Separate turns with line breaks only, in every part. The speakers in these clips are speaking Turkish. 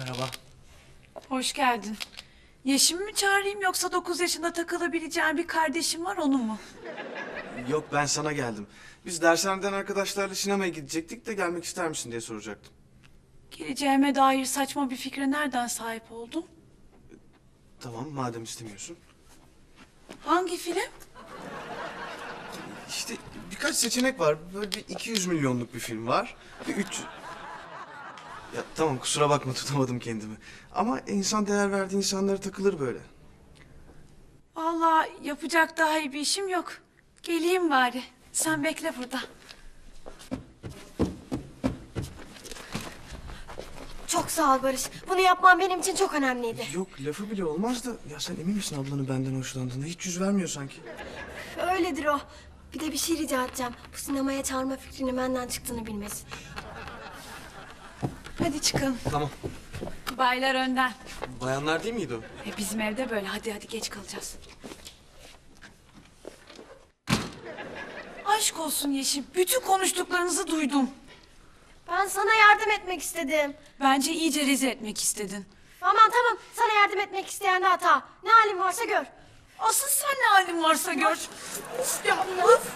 Merhaba.
Hoş geldin. Yeşim'i mi çağırayım yoksa 9 yaşında takılabileceğin bir kardeşim var onu mu?
Yok ben sana geldim. Biz dershaneden arkadaşlarla sinemaya gidecektik de gelmek ister misin diye soracaktım.
Geleceğime dair saçma bir fikre nereden sahip oldun?
Tamam madem istemiyorsun.
Hangi film?
İşte birkaç seçenek var. Böyle bir 200 milyonluk bir film var. Bir 300... Ya tamam kusura bakma tutamadım kendimi. Ama insan değer verdiği insanlara takılır böyle.
Vallahi yapacak daha iyi bir işim yok. Geleyim bari. Sen bekle burada.
Çok sağ ol Barış. Bunu yapman benim için çok önemliydi.
Yok lafı bile olmaz da ya sen emin misin ablanın benden hoşlandığına? Hiç yüz vermiyor sanki.
Öyledir o. Bir de bir şey rica edeceğim. Bu sinemaya çağırma fikrinin benden çıktığını bilmesin.
Hadi çıkalım.
Tamam.
Baylar önden.
Bayanlar değil miydi o?
Bizim evde böyle. Hadi geç kalacağız. Aşk olsun Yeşim. Bütün konuştuklarınızı duydum.
Ben sana yardım etmek istedim.
Bence iyice rezil etmek istedin.
Aman tamam. Sana yardım etmek isteyen de hata. Ne halin varsa gör.
Asıl sen ne halin varsa gör. Uf ya uf.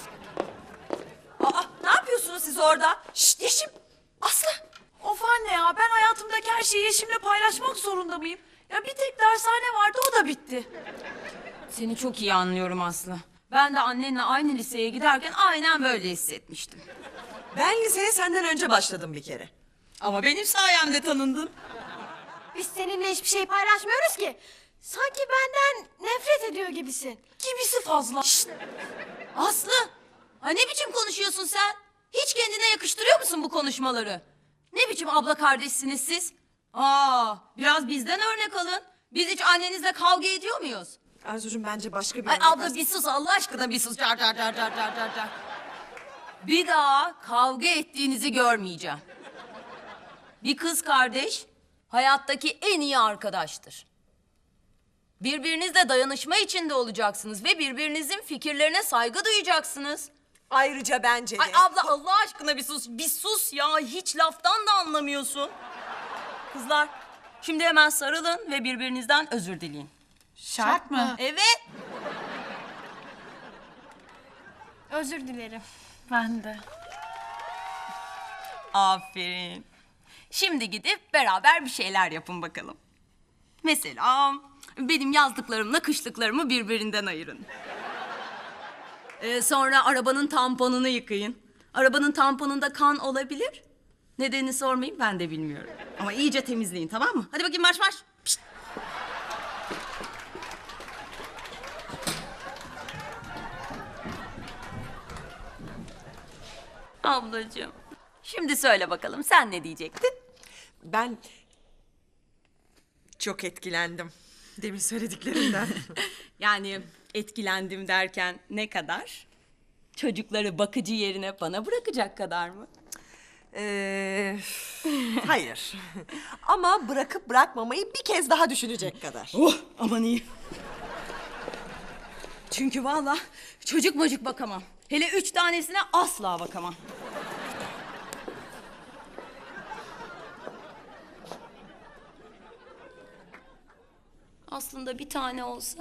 Aa, ne yapıyorsunuz siz orada? Şşt Yeşim, Aslı.
Of anne ya ben hayatımdaki her şeyi Yeşim'le paylaşmak zorunda mıyım? Ya bir tek dershane vardı o da bitti.
Seni çok iyi anlıyorum Aslı. Ben de annenle aynı liseye giderken aynen böyle hissetmiştim.
Ben liseye senden önce başladım bir kere.
Ama benim sayemde tanındın.
Biz seninle hiçbir şey paylaşmıyoruz ki. Sanki benden nefret ediyor gibisin.
Gibisi fazla.
Aslı, ha ne biçim konuşuyorsun sen? Hiç kendine yakıştırıyor musun bu konuşmaları? Ne biçim abla kardeşsiniz siz? Biraz bizden örnek alın. Biz hiç annenizle kavga ediyor muyuz?
Arzucuğum bence başka bir...
Ay abla bir sus Allah aşkına bir sus. Car. Bir daha kavga ettiğinizi görmeyeceğim. Bir kız kardeş hayattaki en iyi arkadaştır. Birbirinizle dayanışma içinde olacaksınız ve birbirinizin fikirlerine saygı duyacaksınız.
Ayrıca bence de...
Ay abla Allah aşkına bir sus. Bir sus ya hiç laftan da anlamıyorsun. Kızlar şimdi hemen sarılın ve birbirinizden özür dileyin.
Şart mı?
Evet.
Özür dilerim.
Ben de.
Aferin. Şimdi gidip beraber bir şeyler yapın bakalım. Mesela benim yazdıklarımla kışlıklarımı birbirinden ayırın. Sonra arabanın tamponunu yıkayın. Arabanın tamponunda kan olabilir. Nedenini sormayayım ben de bilmiyorum. Ama iyice temizleyin tamam mı? Hadi bakayım marş marş. Pişt. Ablacığım. Şimdi söyle bakalım sen ne diyecektin?
Ben çok etkilendim demin söylediklerinden.
Yani etkilendim derken ne kadar? Çocukları bakıcı yerine bana bırakacak kadar mı?
Hayır. Ama bırakıp bırakmamayı bir kez daha düşünecek kadar.
Oh aman iyi. Çünkü vallahi çocuk mocuk bakamam. Hele 3 tanesine asla bakamam. Aslında bir tane olsa.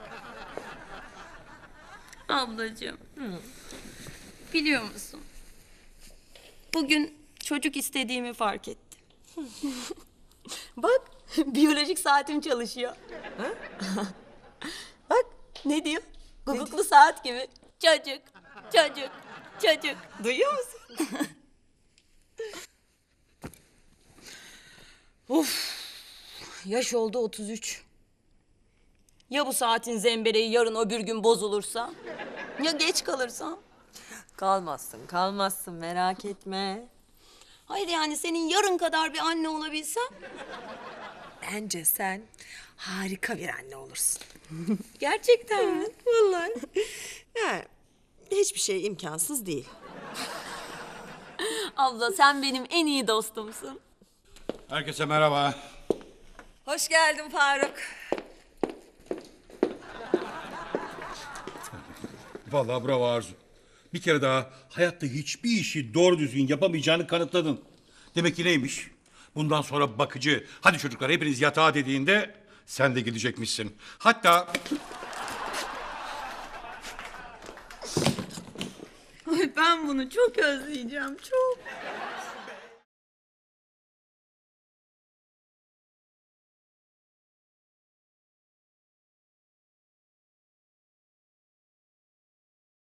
Ablacığım. Biliyor musun? Bugün çocuk istediğimi fark ettim. Bak biyolojik saatim çalışıyor. Bak ne diyor? Guguklu saat gibi. Çocuk. Duyuyor musun? Of. Yaş oldu 33. Ya bu saatin zembereği yarın öbür gün bozulursa? Ya geç kalırsam?
Kalmazsın merak etme.
Hayır yani senin yarın kadar bir anne olabilsem?
Bence sen harika bir anne olursun.
Gerçekten mi?
Vallahi. Yani hiçbir şey imkansız değil.
Abla sen benim en iyi dostumsun.
Herkese merhaba.
Hoş geldin Faruk.
Vallahi bravo Arzu. Bir kere daha hayatta hiçbir işi doğru düzgün yapamayacağını kanıtladın. Demek ki neymiş? Bundan sonra bakıcı, hadi çocuklar hepiniz yatağa dediğinde sen de gidecekmişsin. Hatta
Ay ben bunu çok özleyeceğim çok.